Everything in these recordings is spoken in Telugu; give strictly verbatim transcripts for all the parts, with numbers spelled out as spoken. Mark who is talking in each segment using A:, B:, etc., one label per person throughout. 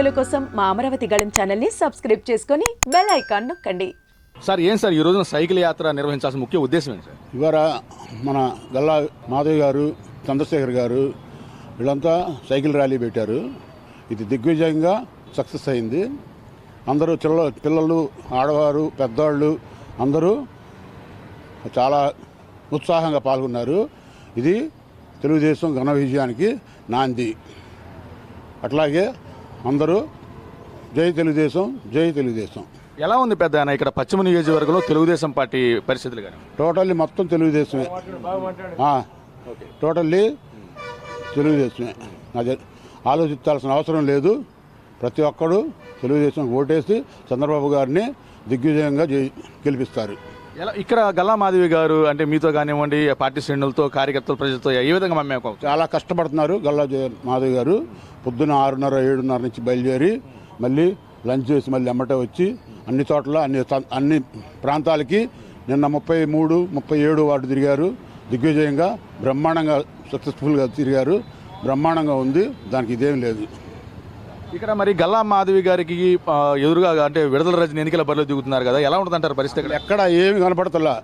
A: వీడియోల కోసం మా అమరావతి గళం ఛానల్ని సబ్స్క్రైబ్ చేసుకొని బెల్ ఐకాన్ నొక్కండి.
B: సార్ ఏం సార్ ఈ రోజున సైకిల్ యాత్ర నిర్వహించాల్సిన ముఖ్య ఉద్దేశం ఏంటి సార్?
C: ఇవాళ మన గల్లా మాధవ్ గారు, చంద్రశేఖర్ గారు వీళ్ళంతా సైకిల్ ర్యాలీ పెట్టారు. ఇది దిగ్విజయంగా సక్సెస్ అయింది. అందరూ చిల్ల పిల్లలు, ఆడవారు, పెద్దవాళ్ళు అందరూ చాలా ఉత్సాహంగా పాల్గొన్నారు. ఇది తెలుగుదేశం ఘన విజయానికి నాంది. అట్లాగే అందరూ జై తెలుగుదేశం, జై తెలుగుదేశం.
B: ఎలా ఉంది పెద్ద ఆయన ఇక్కడ పశ్చిమ నియోజకవర్గంలో తెలుగుదేశం పార్టీ పరిస్థితులు కానీ?
C: టోటల్లీ మొత్తం తెలుగుదేశమే, టోటల్లీ తెలుగుదేశమే. అది ఆలోచించాల్సిన అవసరం లేదు. ప్రతి ఒక్కరూ తెలుగుదేశం ఓటేసి చంద్రబాబు గారిని దిగ్విజయంగా గెలిపిస్తారు.
B: ఎలా ఇక్కడ గల్లా మాధవి గారు అంటే మీతో కానివ్వండి, పార్టీ శ్రేణులతో, కార్యకర్తలు, ప్రజలతో ఏ విధంగా మమ్మకం?
C: చాలా కష్టపడుతున్నారు. గల్లా మాధవి గారు పొద్దున ఆరున్నర ఏడున్నర నుంచి బయలుదేరి మళ్ళీ లంచ్ చేసి మళ్ళీ ఎమ్మటే వచ్చి అన్ని చోట్ల అన్ని అన్ని ప్రాంతాలకి నిన్న ముప్పై మూడు ముప్పై ఏడు వార్డు తిరిగారు. దిగ్విజయంగా బ్రహ్మాండంగా సక్సెస్ఫుల్గా తిరిగారు. బ్రహ్మాండంగా ఉంది, దానికి ఇదేం లేదు.
B: ఇక్కడ మరి గల్లా మాధవి గారికి ఎదురుగా అంటే విడుదల రజని ఎన్నికల బరిలో దిగుతున్నారు కదా, ఎలా ఉంటుంది అంటారు పరిస్థితి?
C: ఎక్కడ ఏమి కనపడతలా.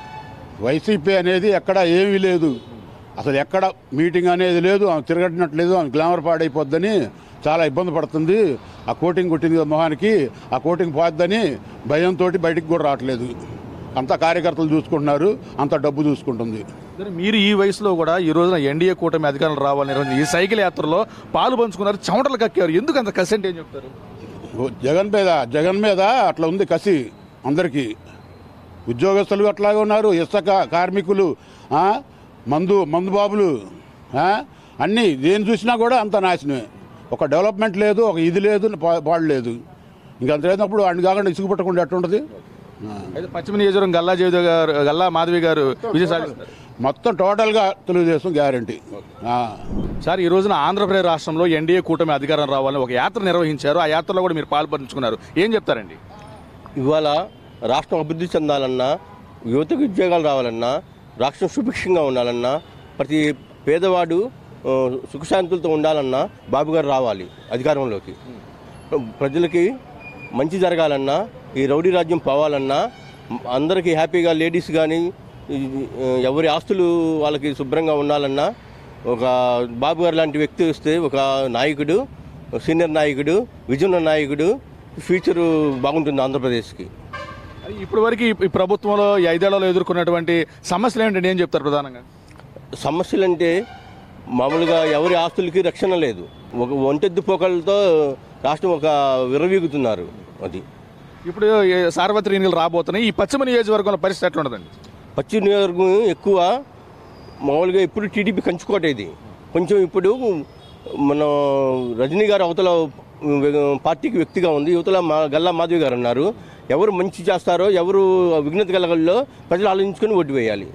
C: వైసీపీ అనేది ఎక్కడ ఏమీ లేదు. అసలు ఎక్కడ మీటింగ్ అనేది లేదు. ఆమె తిరగట్టినట్లేదు. ఆమె గ్లామర్ పాడైపోద్దని చాలా ఇబ్బంది పడుతుంది. ఆ కోటింగ్ కొట్టింది మొహానికి, ఆ కోటింగ్ పోద్దని భయంతో బయటికి కూడా రావట్లేదు. అంతా కార్యకర్తలు చూసుకుంటున్నారు, అంత డబ్బు చూసుకుంటుంది.
B: మీరు ఈ వయసులో కూడా ఈ రోజున ఎన్డీఏ కూటమి అధికారులు రావాలని ఈ సైకిల్ యాత్రలో పాలు పంచుకున్నారు, చెమటలు కక్కారు. ఎందుకు అంత కసి అంటే ఏం చెప్తారు?
C: జగన్ మీద జగన్ మీద అట్లా ఉంది కసి అందరికీ. ఉద్యోగస్తులు అట్లాగే ఉన్నారు, ఇసుక కార్మికులు, మందు మందు బాబులు, అన్నీ దేని చూసినా కూడా అంత నాశనమే. ఒక డెవలప్మెంట్ లేదు, ఒక ఇది లేదు, పాడు లేదు. ఇంకంత లేనప్పుడు అన్ని కాకుండా ఇసుకు పట్టకుండా ఎట్టుంటుంది?
B: అయితే పశ్చిమ నియోజకవర్గం గల్లా జయదేవ్ గారు, గల్లా మాధవి గారు విజయ సాధిస్తారు.
C: మొత్తం టోటల్గా తెలుగుదేశం గ్యారంటీ.
B: సార్ ఈ రోజున ఆంధ్రప్రదేశ్ రాష్ట్రంలో ఎన్డీఏ కూటమి అధికారం రావాలని ఒక యాత్ర నిర్వహించారు. ఆ యాత్రలో కూడా మీరు పాల్పంచుకున్నారు. ఏం చెప్తారండి?
D: ఇవాళ రాష్ట్రం అభివృద్ధి చెందాలన్నా, యువతకు ఉద్యోగాలు రావాలన్నా, రాష్ట్రం సుభిక్షంగా ఉండాలన్నా, ప్రతి పేదవాడు సుఖశాంతులతో ఉండాలన్నా బాబు గారు రావాలి అధికారంలోకి. ప్రజలకి మంచి జరగాలన్నా, ఈ రౌడీ రాజ్యం పోవాలన్నా, అందరికీ హ్యాపీగా లేడీస్ కానీ ఎవరి ఆస్తులు వాళ్ళకి శుభ్రంగా ఉండాలన్నా ఒక బాబు గారు లాంటి వ్యక్తి వస్తే ఒక నాయకుడు, సీనియర్ నాయకుడు, విజన్ నాయకుడు, ఫ్యూచరు బాగుంటుంది ఆంధ్రప్రదేశ్కి.
B: ఇప్పటి వరకు ఈ ప్రభుత్వంలో ఈ ఐదేళ్లలో ఎదుర్కొన్నటువంటి సమస్యలు ఏమిటంటే ఏం చెప్తారు ప్రధానంగా?
D: సమస్యలు అంటే మామూలుగా ఎవరి ఆస్తులకి రక్షణ లేదు. ఒక ఒంటెద్దు పోకలతో రాష్ట్రం ఒక విరవీగుతున్నారు. అది
B: ఇప్పుడు సార్వత్రిక ఎన్నికలు రాబోతున్నాయి. ఈ పశ్చిమ నియోజకవర్గంలో పరిస్థితి ఎట్లా ఉండదండి?
D: పశ్చిమ నియోజకవర్గం ఎక్కువ మామూలుగా ఇప్పుడు టీడీపీ కంచుకోట. ఇది కొంచెం ఇప్పుడు మన రజనీ గారు అవతల పార్టీకి వ్యక్తిగా ఉంది, యువతల మా గల్లా మాధవి గారు అన్నారు. ఎవరు మంచి చేస్తారో, ఎవరు విఘ్నత కలగల్లో ప్రజలు ఆలోచించుకొని ఓటు వేయాలి.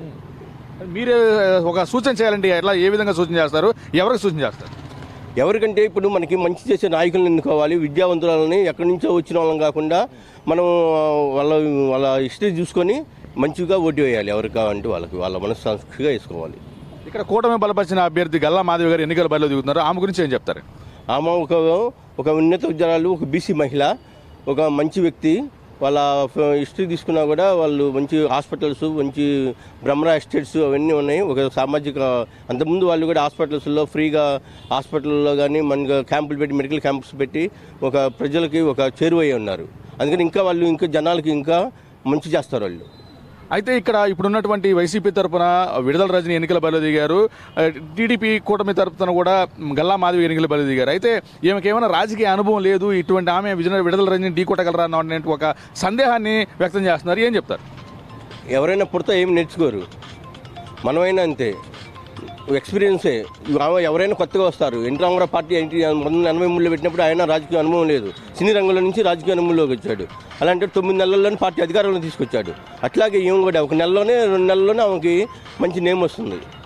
B: మీరే ఒక సూచన చేయాలండి. ఎట్లా, ఏ విధంగా సూచన చేస్తారు, ఎవరికి సూచన చేస్తారు?
D: ఎవరికంటే ఇప్పుడు మనకి మంచి చేసే నాయకులను ఎన్నుకోవాలి. విద్యావంతులని ఎక్కడి నుంచో వచ్చిన వాళ్ళం కాకుండా మనం వాళ్ళ వాళ్ళ హిస్టరీ చూసుకొని మంచిగా ఓటు వేయాలి. ఎవరికి కావాలంటే వాళ్ళకి వాళ్ళ మనస్సాక్షిగా వేసుకోవాలి.
B: ఇక్కడ కూటమి బలపరిచిన అభ్యర్థి గల్లా మాధవి గారు ఎన్నికల బరిలో దిగుతున్నారు. ఆమె గురించి ఏం చెప్తారు?
D: ఆమె ఒక ఒక ఉన్నత ఉద్యోగాలు, ఒక బీసీ మహిళ, ఒక మంచి వ్యక్తి. వాళ్ళ హిస్టరీ తీసుకున్నా కూడా వాళ్ళు మంచి హాస్పిటల్స్, మంచి బ్రహ్మరా ఎస్టేట్స్ అవన్నీ ఉన్నాయి. ఒక సామాజిక అంతకుముందు వాళ్ళు కూడా హాస్పిటల్స్లో ఫ్రీగా హాస్పిటల్లో కానీ మన క్యాంపులు పెట్టి, మెడికల్ క్యాంప్స్ పెట్టి ఒక ప్రజలకి ఒక చేరువయ్యి ఉన్నారు. అందుకని ఇంకా వాళ్ళు ఇంకా జనాలకి ఇంకా మంచి చేస్తారు వాళ్ళు.
B: అయితే ఇక్కడ ఇప్పుడున్నటువంటి వైసీపీ తరఫున విడుదల రజని ఎన్నికల బరిలో దిగారు. టీడీపీ కూటమి తరఫున కూడా గల్లా మాధవి ఎన్నికల బరిలో దిగారు. అయితే ఈమెకి ఏమైనా రాజకీయ అనుభవం లేదు, ఇటువంటి ఆమె విజయ విడుదల రజని ఢీ కొట్టగలరా అనే ఒక సందేహాన్ని వ్యక్తం చేస్తున్నారు. ఏం చెప్తారు?
D: ఎవరైనా పుడతా ఏం నేర్చుకోరు, మనమైనా అంతే, ఎక్స్పీరియన్సే. ఎవరైనా కొత్తగా వస్తారు. ఎన్టీ రామారావు పార్టీ పంతొమ్మిది ఎనభై మూడులో పెట్టినప్పుడు ఆయన రాజకీయ అనుభవం లేదు, సినీ రంగంలో నుంచి రాజకీయ అనుభవంలోకి వచ్చాడు. అలాంటి తొమ్మిది నెలల్లోనే పార్టీ అధికారంలో తీసుకొచ్చాడు. అట్లాగే ఏం కూడా ఒక నెలలోనే రెండు నెలల్లోనే ఆమెకి మంచి నేమ్ వస్తుంది.